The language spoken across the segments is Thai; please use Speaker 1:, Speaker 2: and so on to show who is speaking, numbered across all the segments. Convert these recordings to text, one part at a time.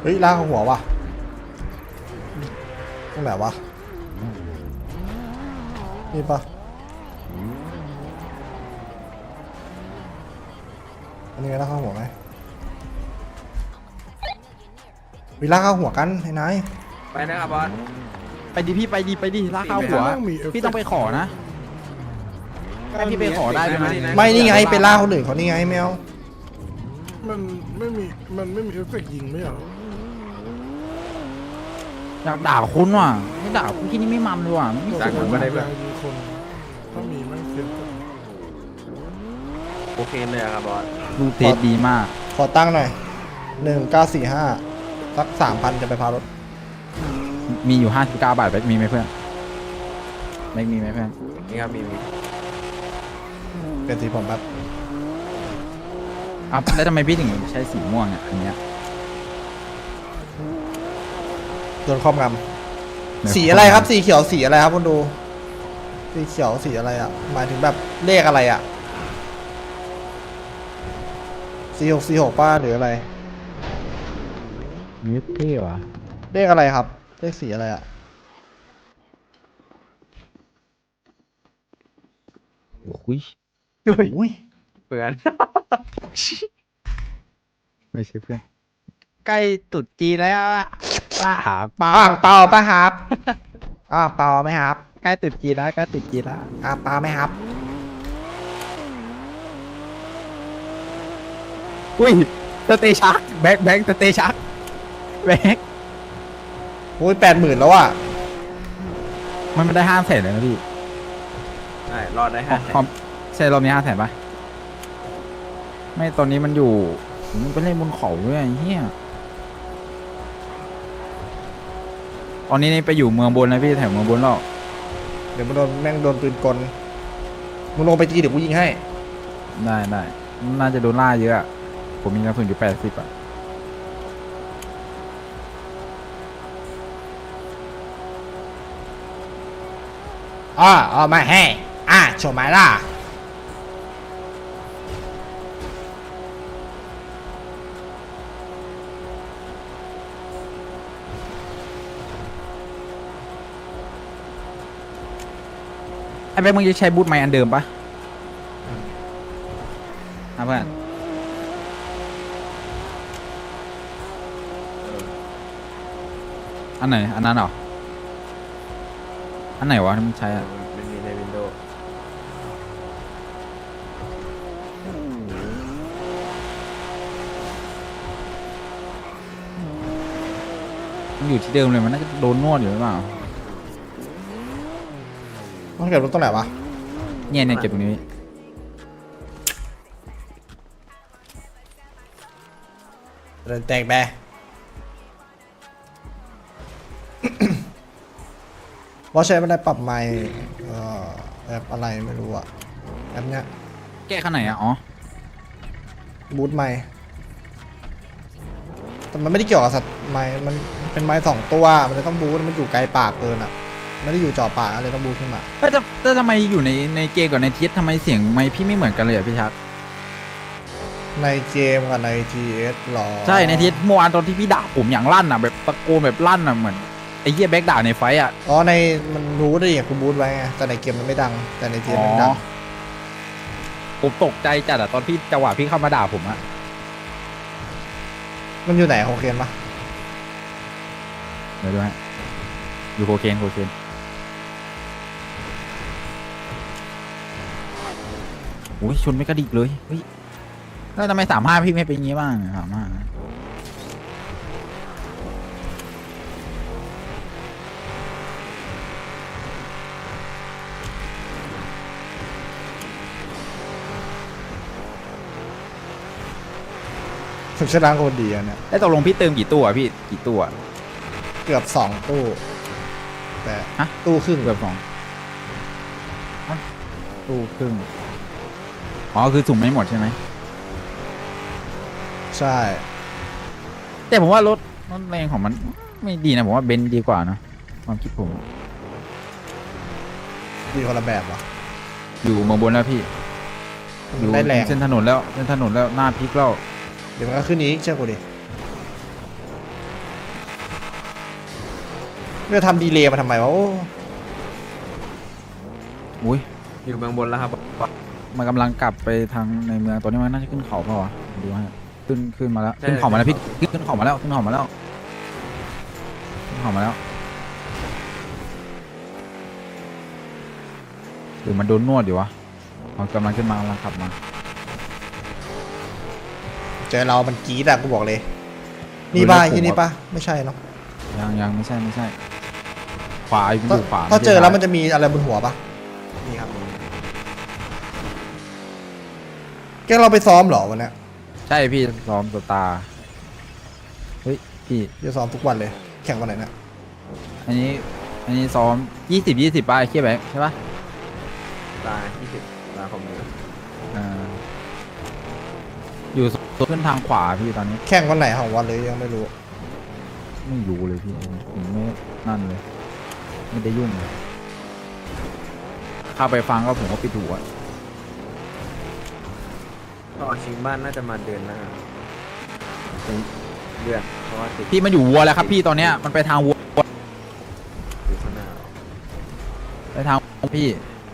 Speaker 1: ฮ้ยลากหัวว่ะตรงไหนวะนี่ปะอันนี้ลากหัวไหมวิลากหัวกันไอ้นาย
Speaker 2: ไปนะครับบอส
Speaker 3: ไปดิพี่ไปดิลากเข้าหัวพี่ต้องไปขอนะให้พี่ไปขอได้ไหม
Speaker 1: ไม่นี่ไงไปล่าคนอื่นเขานี่ไงแมว
Speaker 4: มันไม่มีเอฟเฟกต์ยิงไม่เหรอ
Speaker 3: อยากด่าคุณว่ะไม่ด่าคุณที่นี่ไม่มันเลยว่ะไม่
Speaker 4: แต่
Speaker 3: ส
Speaker 4: ผม
Speaker 3: น
Speaker 4: ไม่
Speaker 3: ว่ะ
Speaker 4: ได้แบบยิงคนถ้ามีไม่เสีย
Speaker 2: โอเคเลยอะครับบอส
Speaker 3: ลูกเทสดีมาก
Speaker 1: ขอตั้งหน่อย1945สัก3,000จะไปพารถ
Speaker 3: มีอยู่59 บาทแบ็คมีไหมเพื่อนแบ็คมีไหมเพื่อน
Speaker 2: นี่ครับมี
Speaker 1: เป็นสีผมแบบ
Speaker 3: อ่ะแล้วทำไมพี่ถึงใช้สีม่วงเนี่ยอันเนี้ย
Speaker 1: โดนครอบงำสีอะไรครับสีเขียวสีอะไรครับคุณดูสีเขียวสีอะไรอ่ะหมายถึงแบบเลขอะไรอ่ะ46ป้าหรืออะไร
Speaker 3: นี่เท่ว่ะ
Speaker 1: เลขอะไรครับเลขสีอะไรอ่ะ
Speaker 3: อุ้ย
Speaker 1: อุ้ย
Speaker 2: เปื่อน
Speaker 3: ไม่ใช่เพื่อนใกล้ตุดจีนแล้วอะป้าหาป้า
Speaker 1: เปล่าป่ะครับเปล่าไหมครับ
Speaker 3: ใกล้ตุดจีนแล้วใกล้ตุดจีนแล้ว
Speaker 1: เปล่าไหมครับ
Speaker 3: อุ้ยสเตชักแบ็คสเตชักแบ็ค
Speaker 1: อุ้ย80,000แล้วอ่ะ
Speaker 3: มันไม่ได้500,000เลยนะพี่
Speaker 2: ใช่รอดได้500,000
Speaker 3: ความใช่รอบนี้500,000ป่ะไม่ตอนนี้มันอยู่มันไปเล่นบนเขาด้วยไอ้เฮียตอนนี้นี่ไปอยู่เมืองบนแล้วพี่แถวเมืองบนแล้ว
Speaker 1: เดี๋ยวมันโดนแม่งโดนปืนกลมึงลงไปจีเดี๋ยวกูยิงให้
Speaker 3: ได้น่าจะโดนล่าเยอะอะผมมีกระสุนอยู่80อะ
Speaker 1: เอามาให้โชว์ไม้ล่ะ
Speaker 3: ไอ้แบ็คมึงจะใช้บูทไม้อันเดิมปะเพื่อนอันไหนอันนั้นเหรออันไหนวะที่มึงใช้อะ
Speaker 2: มันมีในวินโดว์
Speaker 3: มันอยู่ที่เดิมเลยมันน่าจะโดนนวดอยู่หรือเปล่า
Speaker 1: ต้องเก็บรถตรงไหนวะ
Speaker 3: เนี่ยเก็บตรงนี้
Speaker 1: เดินแตกแบ ว่าใช้ไม่ได้ปรับไมค์แอปอะไรไม่รู้อะแอปเนี้ย
Speaker 3: แก้ข้างไหนอะอ๋อ
Speaker 1: บูทไมค์แต่มันไม่ได้เกี่ยวกับสัตว์ไมค์มันเป็นไมค์2 ตัวมันจะต้องบูทมันอยู่ไกลปากเกินอะไม่ได้อยู่จ่อปากอะไรต้องบูทขึ้นมา
Speaker 3: แต่ทำไมอยู่ในเกมกับในทีสทำไมเสียงไมค์พี่ไม่เหมือนกันเลยอะพี่ชัก
Speaker 1: ในเกมกับใน GS หรอ
Speaker 3: ใช่ในทีสเมื่อวานตอนที่พี่ด่าผมอย่างลั่นอะแบบตะโกนแบบลั่นอะเหมือนไอ้เหี้ยแบ็คด่าในไฟต์อะ
Speaker 1: ในมันรู้ได้อย่างกูบูทไว้ไงแต่ในเกมมันไม่ดังแต่ใน GS มันดัง
Speaker 3: ผมตกใจจัดอะตอนพี่จังหวะพี่เข้ามาด่าผมอะ
Speaker 1: มันอยู่ไหนโอเคนปะ
Speaker 3: เดี๋ยวดูฮะอยู่โคเคนโอ้ยชนไม่กระดิกเลยเฮ้ยแล้วทำไม35พี่ไม่เป็นอย่างงี้บ้าง35
Speaker 1: ฝึกชนะโคตรดีอะเนี่ย
Speaker 3: แล้วตกลงพี่เติมกี่ตู้อะพี่กี่ตู้อะ
Speaker 1: เกือบ2 ตู้แต่
Speaker 3: ฮะ
Speaker 1: ตู้ครึ่ง
Speaker 3: เกือบ2ตู้ครึ่งอ๋อคือสุ่มไม่หมดใช่ไหม
Speaker 1: ใช่
Speaker 3: แต่ผมว่ารถแรงของมันไม่ดีนะผมว่าเบนซ์ดีกว่านะความคิดผม
Speaker 1: ดีคนละแบบวะ
Speaker 3: อยู่เมืองบนแล้วพี่อ
Speaker 1: มัน
Speaker 3: ยู่
Speaker 1: ได้แรง
Speaker 3: เส้นถนนแล้วหน้าพลิกแล้ว
Speaker 1: เดี๋ยวมันก็ขึ้นอีกเชื่อกูดิจะทำดีเลย์มาทำไมวะโอ้
Speaker 3: อุ้ย
Speaker 2: อยู่เมืองบนแล้วครับบอส
Speaker 3: มันกำลังกลับไปทางในเมืองตัวนี้มันน่าจะขึ้นเขาเปล่าวะดูให้ขึ้นมาแล้วขึ้นเขามาแล้วพี่ขึ้นเขามาแล้วขึ้นเขามาแล้วขึ้นเขามาแล้วหรือมันโดนนวดอยู่วะมันกำลังขึ้นมากำลังขับมา
Speaker 1: เจอเรามันกรี๊ดอะกูบอกเลย นี่ป่ะที่นี่ป่ะไม่ใช่เนาะ
Speaker 3: ยังไม่ใช่ขวาอยู่ขวา
Speaker 1: ถ้าเจอแล้วมันจะมีอะไรบนหัวป่ะ
Speaker 2: นี่ครับนี่
Speaker 1: แกเราไปซ้อมเหรอวันเนี้ย
Speaker 3: ใช่พี่ซ้อมตัวตาเฮ้ยพี่
Speaker 1: จะซ้อมทุกวันเลย แข่งวันไหนเนี่ย
Speaker 3: อันนี้ซ้อม20ป่ะไอ้เคียแบงค์ใช่ป่ะ
Speaker 2: ตา20ตาผมเลย
Speaker 3: อยู่ขึ้นทางขวาพี่ตอนนี้
Speaker 1: แข่งวันไหนของวันเลยยังไม่รู้
Speaker 3: ไม่รู้เลยพี่ผมไม่นั่นเลยไม่ได้ยุ่งเลยเข้าไปฟังก็ผมก็ปิดหูอะ
Speaker 2: ก็ออกชิงบ้านน่าจะมาเดือนหน้าเป็นเดือนเพราะว่าติด
Speaker 3: พี่มันอยู่วัวแล้วครับพี่ตอนเนี้ยมันไปทางวัว
Speaker 2: อยู่ข้างหน้า
Speaker 3: ไปทางพี่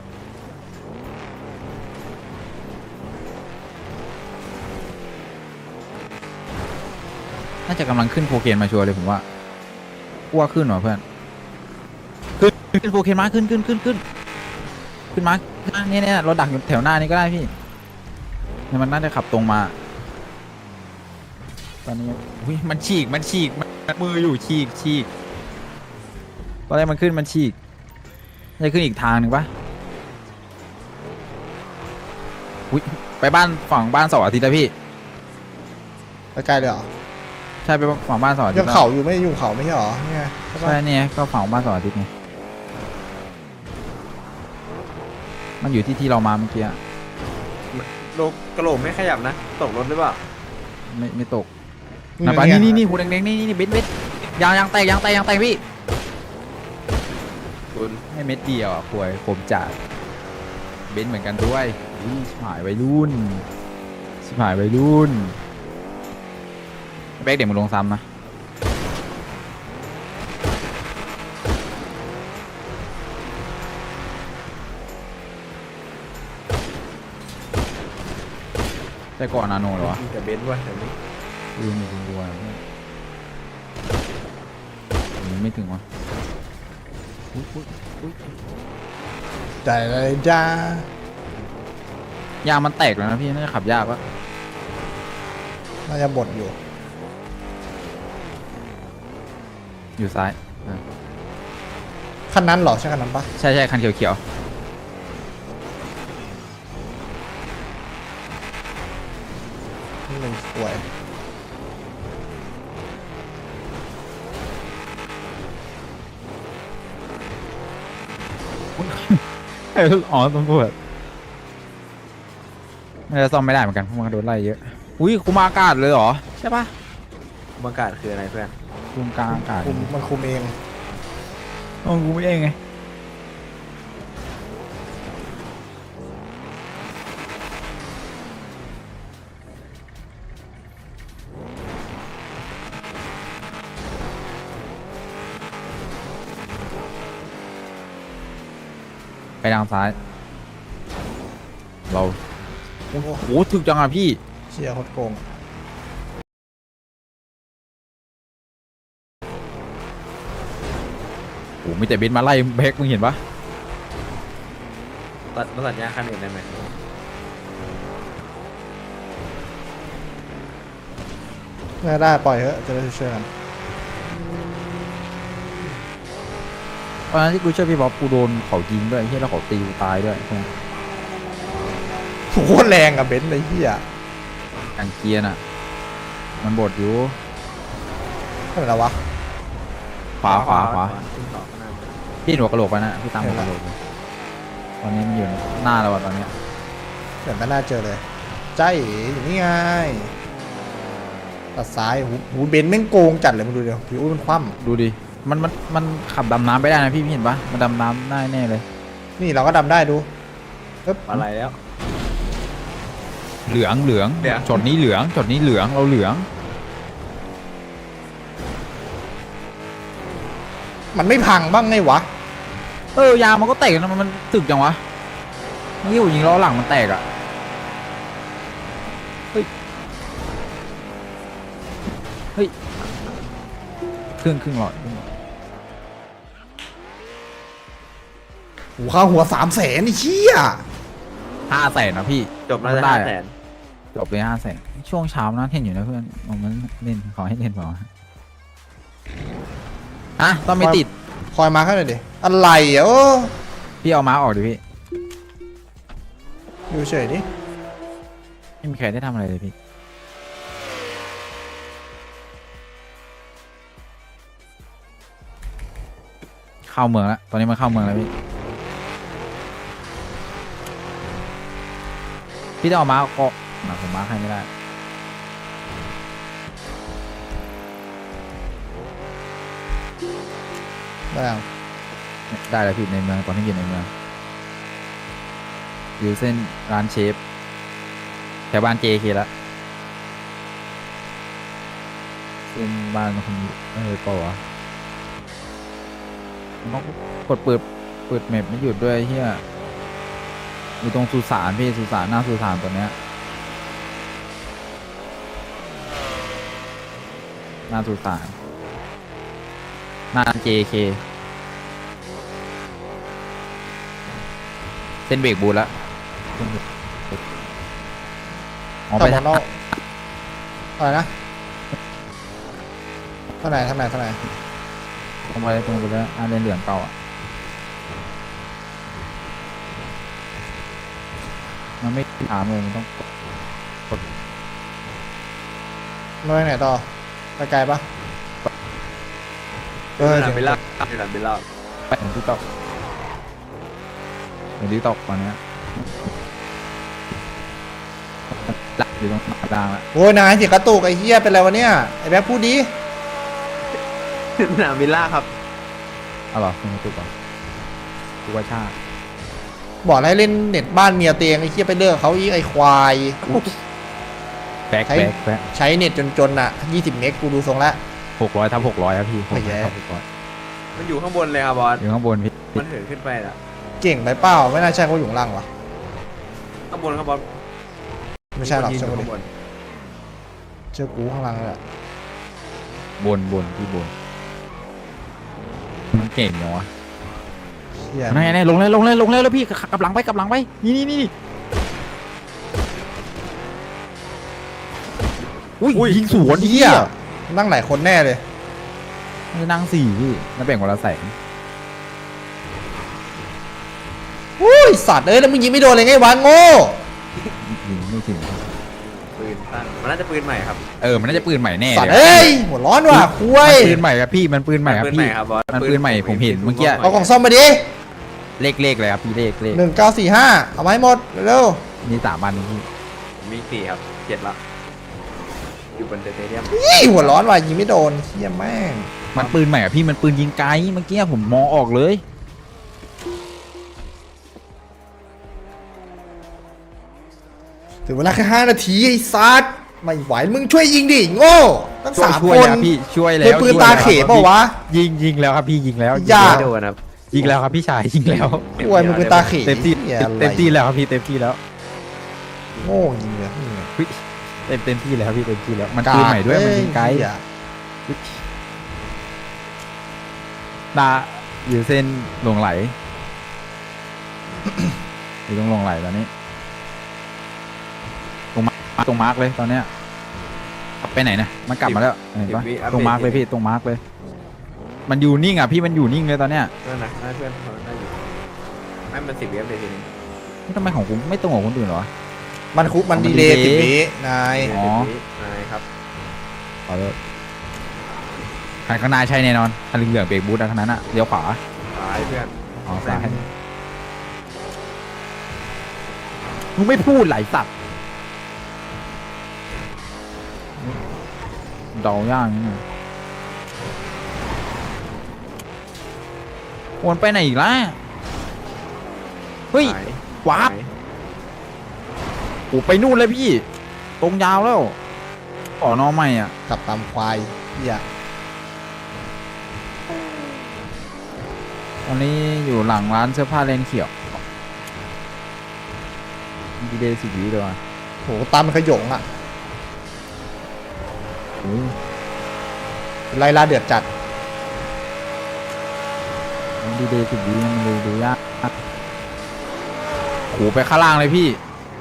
Speaker 3: น่าจะกำลังขึ้นโคเคนมาชัวร์เลยผมว่าขึ้นหรอเพื่อนขึ้นโคเคนมาขึ้นมาเนี่ยเราดักอยู่แถวหน้านี้ก็ได้พี่เนี่ยมันน่าจะขับตรงมาตอนนี้อุ้ยมันฉีกมันมืออยู่ฉีกตอนแรกมันขึ้นมันฉีกจะขึ้นอีกทางหนึ่งปะอุ้ยไปฝั่งบ้านเสาร์อาทิตย์แล้วพี่
Speaker 1: ใกล้ๆเลยเหรอ
Speaker 3: ใช่ไปฝั่งบ้านเสาร์อาทิต
Speaker 1: ยัง
Speaker 3: ย์
Speaker 1: เขาอยู่ไม่อยู่เขาไม่ใช่เหรอเนี่ยใช่ปะ
Speaker 3: ใช่เนี่ยก็ฝั่งบ้านเสาร์อาทิตย์ไงมันอยู่ที่เรามาเมื่อกี้อะ
Speaker 2: โลกกระโหลกไม่ขยับนะ ตกรถหรือเปล่า
Speaker 3: ไม่ตกนะปะนี่หูแดงๆนี่เบ็ดยางแตกพี่
Speaker 2: คุณ
Speaker 3: ให้เม็ดเดียวอ่ะป่วยผมจัดเบนซ์เหมือนกันด้วยชิบหายวัยรุ่นแบกเดี๋ยวมึงลงซ้ำนะแต่ก่อนนาโนเหรอวะ
Speaker 2: มีแต่เบนซ์ว่ะแต่นี้
Speaker 3: มีคุณด้วยไม่ถึงวะอุ๊ย
Speaker 1: ใจเลยจ้าย
Speaker 3: างมันแตกแล้วนะพี่น่าจะขับยากวะ
Speaker 1: น่าจะบดอยู่
Speaker 3: อยู่ซ้ายอ่ะ
Speaker 1: คันนั้นเหรอใช่คันนั้นปะ
Speaker 3: ใช่คันเขียว
Speaker 1: นี่มันสวย
Speaker 3: อ๋อตำรวจน่าจะซ่อมไม่ได้เหมือนกันเพราะมันโดนไล่เยอะอุ้ยคุมอากาศเลยเหรอใช่ปะ
Speaker 2: บรรยากาศคืออะไรเพื่อน
Speaker 3: คุมกลางอากาศ
Speaker 1: มันคุมเอง
Speaker 3: กูไม่เองไงไปทางซ้าย เราโอ้โหถึกจังอ่ะพี่
Speaker 1: เชียร์โคตรโกง
Speaker 3: โอ้โหมีแต่เบนซ์มาไล่แบกมึงเห็นปะ
Speaker 2: ตัดยาคันอื่นได้ไหม
Speaker 1: ไม่ได้ปล่อยเถอะจะได้ช่วยกัน
Speaker 3: ตอนนั้นที่กูช่วยพี่บ๊อบกูโดนเขายิงด้วยที่แล้วเขาตีกูตายด้วยใช่ไหม
Speaker 1: โคตรแรงอะเบนซ์ไอ้เหี้ย
Speaker 3: กางเกียร์น่ะ มันบดอยู่
Speaker 1: เท่าไหร่แล้ววะ
Speaker 3: ขวา
Speaker 2: ขึ้นต่อข้างหน้า
Speaker 3: พี่หัวกระโหลกไปนะพี่ตามหัวกระโหลกเลยตอนนี้มันอยู่หน้าเราอะตอนเนี้ย
Speaker 1: เดี๋ยวไม่น่าเจอเลยใจอยู่นี่ไงตัดซ้ายหูเบนซ์แม่งโกงจัดเลยมึงดูเดี๋ยวผิวมันคว่
Speaker 3: ดูดิมันขับดำน้ำไปได้นะพี่เห็นปะมันดำน้ำได้แน่เลย
Speaker 1: ำนี่เราก็ดำได้ดูปึ๊บ
Speaker 2: อะไรแล้ว
Speaker 3: เหลือง
Speaker 2: เหลือง
Speaker 3: ช็อตนี้เหลืองช็อตนี้เหลืองเราเหลือง
Speaker 1: มมันไม่พังบ้างไงวะ
Speaker 3: ยางมันก็แตกนะมันสึกจังวะเมื่อกี้ผมยิงล้อหลังมันแตกอ่ะเฮ้ยครึ่งหลอด
Speaker 1: หูค่าหัว300,000ไอ้เชี่ย
Speaker 3: 500,000นะพี่
Speaker 2: จบแล้วจะ
Speaker 3: ได้
Speaker 2: 500,000
Speaker 3: จบเลย500,000ช่วงเช้านะเห็นอยู่นะเพื่อนมันเล่นขอให้เล่นเปล่าวะต้องไม่ติด
Speaker 1: คอยมาข้างหน่อยดิอะไรอ่ะโอ้
Speaker 3: พี่เอาม้าออกดิพี่
Speaker 1: อยู่เฉยดิ
Speaker 3: ไม่มีใครได้ทำอะไรเลยพี่เข้าเมืองแล้วตอนนี้มันเข้าเมืองแล้วพี่ต้องเอาม้าก็ผมม้าให้ไม่ได้
Speaker 1: ได้ยัง
Speaker 3: ได้แล้วพี่ในเมืองตอนที่อยู่ในเมืองอยู่เส้นร้านเชฟแถวบ้าน JK แล้วเส้นบ้านคนเปล่าวะต้องกดเปิดแมปไม่หยุดด้วยเฮียอยู่ตรงสุสานพี่สุสานหน้าสุสานตัวเนี้ยหน้าสุสานหน้า JK เส้นเบรกบูทแล้วออกไป
Speaker 1: ทำ
Speaker 3: ทาง
Speaker 1: นอกอะไรนะเท่าไหร่
Speaker 3: ตรงไปแล้วเลนเหลืองเก่าอ่ะมันไม่ถามเลยมันต้อง
Speaker 1: มาไปไหนต่อไปไกลปะ
Speaker 2: เออเบลล่าเบลล่า
Speaker 3: ไปถึงที่ตกตอนเนี้ยหลักอยู่ตรงกลางละ
Speaker 1: โอ้ยนายเสียกระตุกไอ้เหี้ยเป็นไรวะเนี่ยไอ้แบ๊บพูดดิ
Speaker 2: สนามเบลล่าครับ
Speaker 3: เอาเหรอคุณตุ๊กก่อนตุ๊กว่าชา
Speaker 1: บอกให้เล่นเน็ตบ้านเมียเตียงไอ้เหี้ยไปเลิกเขาอีกไอ้ควาย
Speaker 3: แบก
Speaker 1: ใช้เน็ตจนๆน่ะ20 เมกกูดูทรงละ
Speaker 3: 600 ทับ 600ครับพี่
Speaker 1: ไม่แย่
Speaker 3: 600 ทับ 600
Speaker 2: มันอยู่ข้างบนเลยครับบอส
Speaker 3: อยู่ข้างบนพี่
Speaker 2: มันเหินขึ้นไปละ
Speaker 1: เก่งไปเปล่าไม่น่าใช่เขาอยู่ข้างล่างวะ
Speaker 2: ข้างบนครับบอส
Speaker 1: ไม่ใช่หรอก
Speaker 2: ยืน
Speaker 1: เชื่อ
Speaker 2: อยู่
Speaker 1: กูดิ
Speaker 2: ข้างบน
Speaker 1: เชื่อกูข้างล่างเลยอะ
Speaker 3: บนพี่บนมันเก่งเนาะ
Speaker 1: เชี่ย
Speaker 3: นั่นไงลงเลยแล้วพี่กลับหลังไปนี่อุ้ยยิงสวน
Speaker 1: เหี้ยนั่งหลายคนแน่เลย
Speaker 3: มันจะนั่ง4พี่แล้วแบ่งคนละแสง
Speaker 1: อุ้ยสัตว์เอ้ยแล้วมึงยิงไม่โดนเลยไงวะโง่
Speaker 3: ยิงไม่ถึง
Speaker 2: ปืนตั้งมันน่าจะปืนใหม่ครับ
Speaker 3: มันน่าจะปืนใหม่แน่
Speaker 1: สัตว์
Speaker 3: เลย
Speaker 1: เอ้ยหัวร้อนว่ะคุ
Speaker 3: มัน
Speaker 1: ย
Speaker 3: ปืนใหม่ครับพี่มันปืนใหม่ครับ
Speaker 2: ปืน
Speaker 3: พี่
Speaker 2: ใหม่ครับบอส
Speaker 3: มันปืนใหม่ผมเห็นเมื่อกี้
Speaker 1: เอากล่องซ่อมมาดิ
Speaker 3: เลขเลยครับพี่เลข
Speaker 1: 1945เอามาให้หมดเร็ว
Speaker 3: มี3 อันพี่
Speaker 2: ผมมี4ครับ7ละอยู่บนสเตเดียม
Speaker 1: ๆยี่หัวร้อนว่ะยิงไม่โดนเชี่ยแม่ง
Speaker 3: มันปืนใหม่อะพี่มันปืนยิงไกลเมื่อกี้ผมมองออกเลย
Speaker 1: ถึงเวลาแค่5 นาทีไอ้สัตว์ไม่ไหวมึงช่วยยิงดิโง่ตั้ง3
Speaker 3: ช่วย
Speaker 1: คน
Speaker 3: แล้วพี่ช่วยแล้
Speaker 1: เฮ้
Speaker 3: วย
Speaker 1: ปืนตาเขเปล่าวะ
Speaker 3: ยิงแล้วครับพี่ยิงแล้ว
Speaker 1: อย่า
Speaker 2: ไม่โดนครับ
Speaker 3: ยิงแล้วครับพี่ชายยิงแล้ว
Speaker 1: คุยมึงปืนตาเข
Speaker 3: เต็มที่
Speaker 1: หี้ยอะไร
Speaker 3: เต็มที่แล้วครับพี่เต็มที่แล้ว
Speaker 1: โง่ยิงเลย
Speaker 3: เต็มที่แล้วพี่เต็มที่แล้วมันปืนใหม่ด้วยมันยิงไกล
Speaker 1: เหี้ย
Speaker 3: ตาอยู่เส้นหลงไหล อยู่ตรงหลงไหลตอนนี้ตรงมาร์กเลยตอนเนี้ยไปไหนนะมันกลับมาแล้วเห็นปะตรงมาร์กเลยพี่ตรงมาร์กเลย มันอยู่นิ่งอ่ะพี่มันอยู่นิ่งเลยตอนเนี้ย
Speaker 2: นั่นนะน่าเพื่อนเขาได้อยู่ให้มัน10 เวฟเลยทีนึง
Speaker 3: นี่ทำไมของผมไม่ตรงกับคนอื่นเหรอ
Speaker 1: มันดีเลย์10 วินาย
Speaker 3: อ๋อ
Speaker 2: นายครับ
Speaker 3: ขอโทษหันข้างหน้าใช่แน่นอนคันเหลืองเบรกบูทอันนั้นอะเลี้ยวขวา
Speaker 2: ตายเพื่อน
Speaker 3: อ๋อซ้ายมึงไม่พูดไหลสัตว์เดาย่างนี่วนไปไหนอีกล่ะเฮ้ย
Speaker 2: ตาย
Speaker 3: วาร์ป
Speaker 2: ตาย
Speaker 3: โอ้ไปนู่นเลยพี่ ตรงยาวแล้วขอนอใหม่อ่ะ
Speaker 1: ขับตามควายเหี้ย
Speaker 3: ตอนนี้อยู่หลังร้านเสื้อผ้าเลนเขียวดีเดย์10 วิเลยว่ะ
Speaker 1: โหตามมันขยงอ่ะ
Speaker 3: อุ้ย
Speaker 1: ไล่ล่าเดือดจัด
Speaker 3: ดีเดย์10 วิมันดูยากโหไปข้างล่างเลยพี่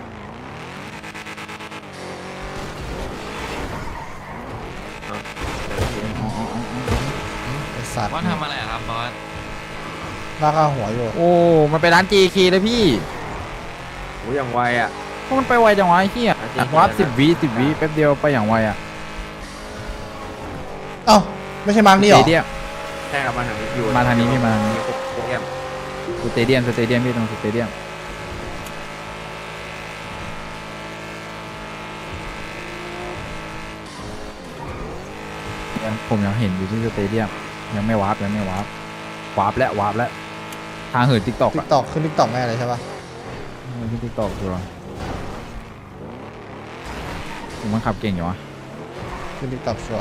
Speaker 1: ไอสัตว์
Speaker 5: บอสทำอะไรอะครับบอส
Speaker 1: ลากข้าหัวอยู่
Speaker 3: โอ้มันไปร้าน JK เลยพี่
Speaker 2: โอ้ยอย่างไวอ่ะ
Speaker 3: ก็มันไปไวจังวะไอ้เหี้ย
Speaker 2: อ่ะ JK
Speaker 3: วับ10 วิแป๊บเดียวไปอย่างไวอ่ะ
Speaker 1: เอ้าไม่ใช่มาร์กนี่หรอ
Speaker 3: สเตเดียม
Speaker 2: ใช่ครับมาทางนี้อยู่
Speaker 3: มาทางนี้พี่มาทางนี้
Speaker 2: โปรแกรม
Speaker 3: สเตเดียมพี่ตรงสเตเดียมผมยังเห็นอยู่ที่สเตเดียมยังไม่วาร์ปวาร์ปแล้วทางเหินติ๊กตอก
Speaker 1: ติ๊
Speaker 3: อะ
Speaker 1: กตอกขึ้นติ๊กตอกแม่เลยใช่ปะ
Speaker 3: ที่ติ๊กตอกตัวผมมันขับเก่งอยู่วะ
Speaker 1: ขึ้นติ๊กตอกชัวร์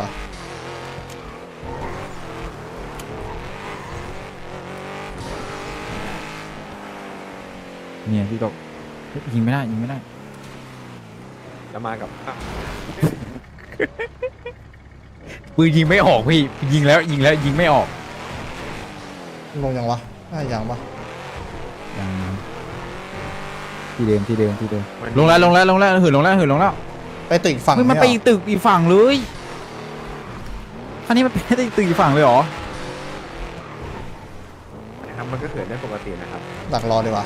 Speaker 3: เนี่ยติ๊กตอกยิงไม่ได้
Speaker 2: จะมากับ
Speaker 3: ปืนยิงไม่ออกพี่ยิงแล้วยิงไม่ออก
Speaker 1: ลงยังวะน่ายังปะ
Speaker 3: ยังที่เดิมลงแล้วเหินลงแล้ว
Speaker 1: ไปตึกอีกฝั่ง
Speaker 3: เฮ้ยมันไปอีกตึกอีกฝั่งเลยคันนี้มันไปตึกอีกฝั่งเลยเหรอ
Speaker 2: นะครับมันก็เขินได้ปกตินะครับ
Speaker 1: ดักรอดีกว่า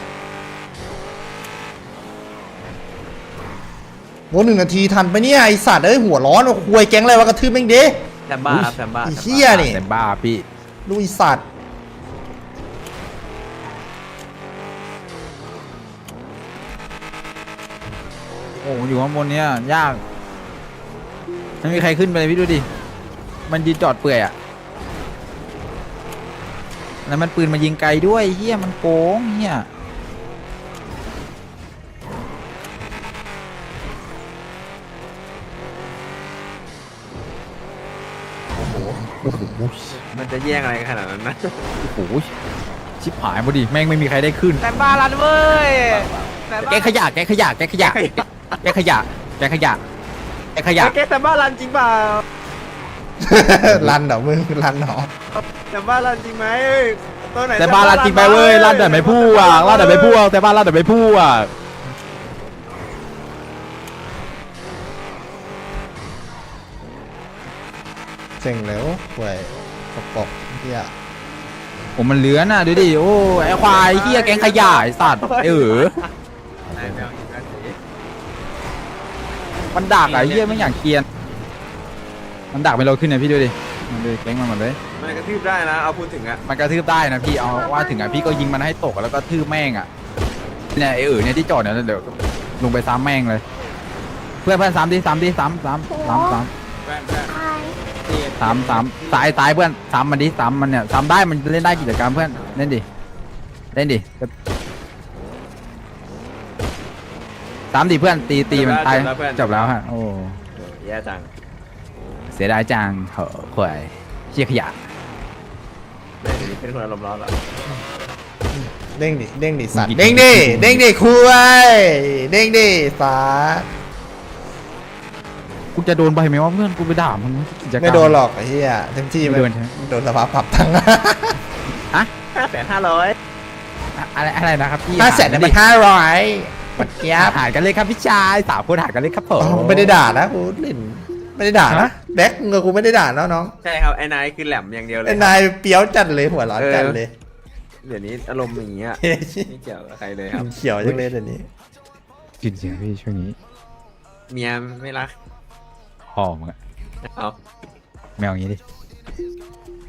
Speaker 1: โว้1 นาทีทันไปเนี่ยไอสัตว์เอ้ยหัวร้อนควยแก๊งอะไรวะกระทืบแม่งดิ
Speaker 2: แซมบ้าครับแซมบ้า
Speaker 1: ไอ้เหี้ยนี่
Speaker 3: แต่บ้าพี่
Speaker 1: ลูกไอสัตว์
Speaker 3: โอ้อยู่ข้างบนเนี้ยยากไม่มีใครขึ้นไปเลยพี่ดูดิมันยืนจอดเปื่อยอะแล้วมันปืนมายิงไกลด้วยเฮียมันโกงเฮีย
Speaker 2: มันจะแย่งอะไรกันขนาดนั้นนะ
Speaker 3: โอ้โหชิบหายพอดีแม่งไม่มีใครได้ขึ้น
Speaker 2: แซมบ้าลันเว้ย
Speaker 3: แกขยะ
Speaker 2: แกแซมบ้าลันจริงเปล่า
Speaker 1: รันเหรอมึงรันเหรอ
Speaker 2: แซมบ้าลันจริงไหมเอ้ยตัวไหน
Speaker 3: แต่บ้านลาดจริงไปเว้ยลาดแต่ไม่พูดอ่ะลาดแต่ไม่พูดแต่บ้านลาดแต่ไม่พูดอ่ะ
Speaker 1: เซ็งแล้วควยปกเหี้ย
Speaker 3: ผมมันเหลือน่ะดูดิโอ้ไอควายเฮียแกงขยะไอสัตว์
Speaker 2: ไหนแมวอีกแล้วสิ
Speaker 3: มันดักอะเฮียไม่อยากเกรียนมันดักไปเราขึ้นนะพี่ดูดิมันเลยแกงมันหมดเลย
Speaker 2: มันกระทืบได้นะเอาพูดถึงอะ
Speaker 3: มันกระทืบได้นะพี่เอาว่าถึงอ่ะพี่ก็ยิงมันให้ตกแล้วก็ทืบแม่งอ่ะเนี่ยไอเนี่ยที่จอดเนี่ยเดี๋ยวลงไปซ้ำแม่งเลย เพื่อนซ้ำดิซ้ำตายเพื่อนซ้ำมันดิซ้ำมันเนี่ยซ้ำได้มันเล่นได้กิจกรรมเพื่อนเล่นดิซ้ำดิเพื่อนตีมันตายจบแล้วฮะโอ้
Speaker 2: แย่จัง
Speaker 3: เสียดายจังเหอะข่วยเชี่ยขยะ
Speaker 2: เป็นคนอารมณ์ร้อนเหรอ
Speaker 1: เด้งดิสัตว์เด้งดิคุยเด้งดิสัตว์
Speaker 3: กูจะโดนใบไหมว่าเพื่อนกูไปด่ามันกิจกรรม
Speaker 1: ไม่โดนหรอกไอ้เหี้ยเต็มที่
Speaker 3: ไม่โดนใช่ไหม
Speaker 1: โดนสภาพปรับทั้ง
Speaker 2: 5,500
Speaker 3: อะไรนะครับพี่
Speaker 1: 500,000เนี่ยมัน500ปัดเกียบ
Speaker 3: หายกันเลยครับพี่ชาย3 คนหายกันเลยครับผม
Speaker 1: ไม่ได้ด่านะกูเล่นไม่ได้ด่านะแบ็คเงกูไม่ได้ด่านะน้อง
Speaker 2: ใช่ครับไอ้นายคือแหลมอย่างเดียวเลย
Speaker 1: ไอ้นายเปียวจัดเลยหัวร้อนจัดเลย
Speaker 2: เดี๋ยวนี้อารมณ์อย่างเงี้ย
Speaker 1: เฮ้ย
Speaker 2: ไม่เกี่ยวกับใครเลยครับ
Speaker 1: เขียวจังเลยเดี๋ยวนี้
Speaker 3: กินเสียงพี่ช่วงนี้
Speaker 2: เมียไม่รัก
Speaker 3: หอมอะ
Speaker 2: เอา
Speaker 3: แมวอย่างนี้ดิ